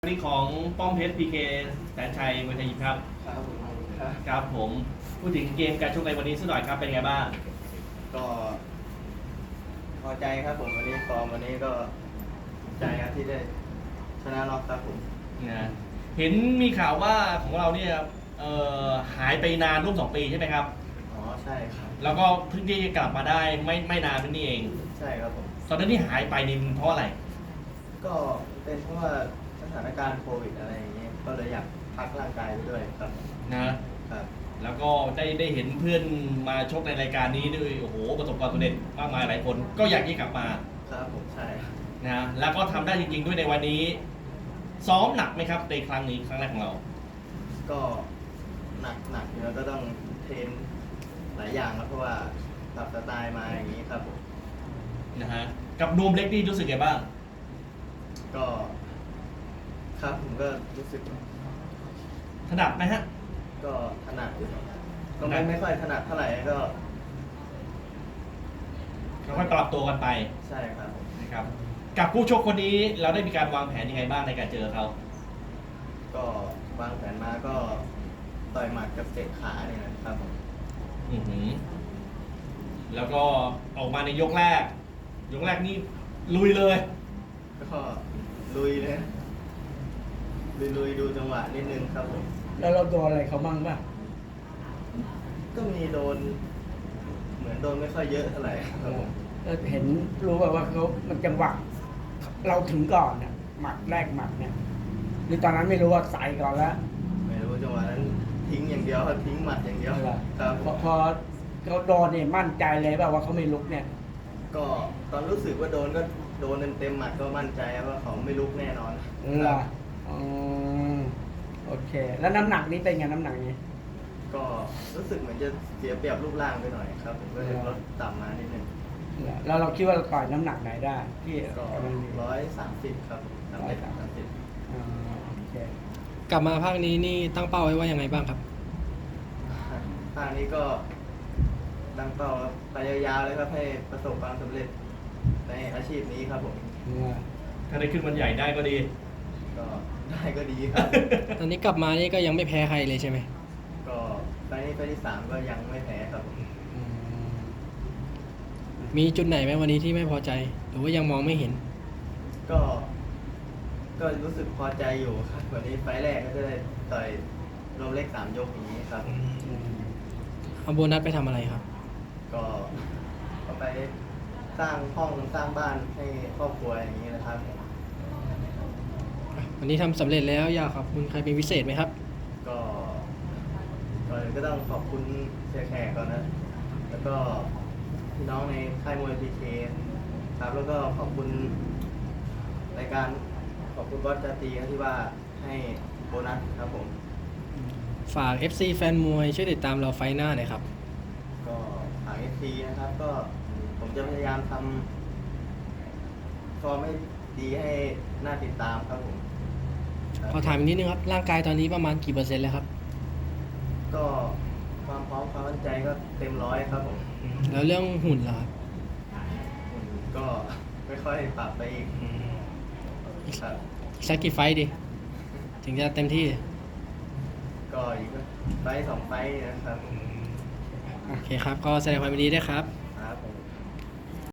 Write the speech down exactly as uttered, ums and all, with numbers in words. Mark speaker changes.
Speaker 1: นี่ของป้อมเพชรพีเคแสนชัยมวยไทยยิมครับ
Speaker 2: ครับผมครับ
Speaker 1: ครับผมพูดถึงเกมการชกในวันนี้สักหน่อยครับเป็นไงบ้าง
Speaker 2: ก็พอใจครับผมวันนี้ฟอร์มวันนี้ก็ใจครับที่ได้ชนะน็อกครับผม
Speaker 1: นะเห็นมีข่าวว่าของเราเนี่ยเอ่อหายไปนานร่วมสองปีใช่ไหมครับ
Speaker 2: อ๋อใช่ครับ
Speaker 1: แล้วก็เพิ่งที่จะกลับมาได้ไม่ไม่นานนี่เอง
Speaker 2: ใช่ครับผม
Speaker 1: ตอนนั้นที่หายไปนี่เพราะอะไร
Speaker 2: ก็เป็นเพราะว่าสถานการณ์โควิดอะไรอย่างเงี้ยก็เลยอยากพักร่างกายไปด้วยครับ
Speaker 1: นะครับแล้วก็ได้ได้เห็นเพื่อนมาชกในรายการนี้ด้วยโอ้โหประสบความสำเร็จมากมายหลายคนก็อยากที่กลับมา
Speaker 2: ครับผมใช่
Speaker 1: นะแล้วก็ทำได้จริงๆด้วยในวันนี้ซ้อมหนักไหมครับในครั้งนี้ครั้งแรกของเรา
Speaker 2: ก็หนักหนักอยู่แล้วก็ต้องเทรนหลายอย่างครับเพราะว่าปรับสไตล์มาอย่างนี้ครับผม
Speaker 1: นะฮะกับนูมเล็กนี่รู้สึกไงบ้าง
Speaker 2: ก็ครับผมก็รู้สึก
Speaker 1: ถนัดไหมฮะ
Speaker 2: ก็ถนัดอยู่ก็ไม่ไม่ค่อยถนัดเท่าไหร่ก็
Speaker 1: ค่อยปรับตัวกันไป
Speaker 2: ใช่ครับ
Speaker 1: นะครับกับผู้ชกคนนี้เราได้มีการวางแผนยังไงบ้างในการเจอเขา
Speaker 2: ก็วางแผนมาก็ต่อยหมัดกับเตะขาเนี่ยนะครับผม
Speaker 1: อือหือแล้วก็ออกมาในยกแรกยกแรกนี่ลุยเลย
Speaker 2: ก็ลุยเลยลุยลุยดูจังหวะนิดนึงครับผม
Speaker 3: แล้วเราโดนอะไรเขาบ้างป่ะ
Speaker 2: ก็มีโดนเหมือนโดนไม่ค่อยเยอะเท่าไหร่ครับผม
Speaker 3: เห็นรู้ว่าว่าเขามันจังหวะเราถึงก่อนเนี่ยหมัดแรกหมัดเนี่ยหรือตอนนั้นไม่รู้ว่าใส่ก่อนแล้ว
Speaker 2: ไม่รู้จังหวะนั้นทิ้งอย่างเดียวทิ้งหมัดอย่างเดียว
Speaker 3: ครับพอพอเขาโดนเนี่ยมั่นใจเลยป่ะว่าเขาไม่ลุกเนี่ย
Speaker 2: ก็ตอนรู้สึกว่าโดนก็โดนเต็มเต็มหมัดก็มั่นใจว่าเขาไม่ลุกแน่นอน
Speaker 3: ครับอ๋อโอเคแล้วน้ำหนักนี้เป็นไงน้ำหนักนี้
Speaker 2: ก็รู้สึกเหมือนจะเสียเปรียบรูปร่างไปหน่อยครับผมก็เลยลดต่ำมานิดนึง
Speaker 3: แล้วเราคิดว่าเราต่อยน้ำหนักไหนได้ที่
Speaker 2: ก็ร้อยสามสิบครับร้อยสามสิบ
Speaker 4: กลับมาภาคนี้นี่ตั้งเป้าไว้ว่ายังไงบ้างครับ
Speaker 2: ภาคนี้ก็ตั้งเป้าไปยาวๆเลยครับให้ประสบความสำเร็จในอาชีพนี้ครับผม
Speaker 1: ถ้าได้ขึ้นวันใหญ่ได้ก็ดี
Speaker 2: ก็ได้ก็ดีครับ
Speaker 4: ตอนนี้กลับมานี่ก็ยังไม่แพ้ใครเลยใช่ไหม
Speaker 2: ก็ไปนี้ไปที่สามก็ยังไม่แพ้ครับ
Speaker 4: มีจุดไหนไหมวันนี้ที่ไม่พอใจหรือว่ายังมองไม่เห็น
Speaker 2: ก็ก็รู้สึกพอใจอยู่ครับวันนี้ไฟแรกก็จะได้ต่อยรวมเลขสามยกอย่างนี้ครับ
Speaker 4: เอาโบนัสไปทำอะไรครับ
Speaker 2: ก็เอาไปสร้างห้องสร้างบ้านให้ครอบครัวอย่างนี้นะครับ
Speaker 4: วันนี้ทำสำเร็จแล้วอยากขอบคุณใครเป็นพิเศษไหมครับ
Speaker 2: ก็ก่อนอื่นก็ต้องขอบคุณเสียแขกก่อนนะแล้วก็พี่น้องในค่ายมวยพีเคครับแล้วก็ขอบคุณรายการขอบคุณบอสจาตีที่ว่าให้โบนัสครับผม
Speaker 4: ฝาก เอฟ ซี แฟนมวยช่วยติดตามเราไฟหน้าหน่อยครับ
Speaker 2: ก็ฝาก เอฟ ซี นะครับก็ผมจะพยายามทำฟอร์มให้ดีให้น่าติดตามครับผม
Speaker 4: ขอถามอีกนิดนึงครับร่างกายตอนนี้ประมาณกี่เปอร์เซ็นต์แล้วครับ
Speaker 2: ก็ความพร้อมความมั่นใจก็เต็มร้อยครับผม
Speaker 4: แล้วเรื่องหุ่นล่ะครับ
Speaker 2: ก็ค่อยๆปรับไปอีก
Speaker 4: ครับสักกี่ไฟดิถึงจะเต็มที่
Speaker 2: ก็อีกไฟสองไฟนะครับ
Speaker 4: โอเคครับก็แสดงความยินดีด้วยครับ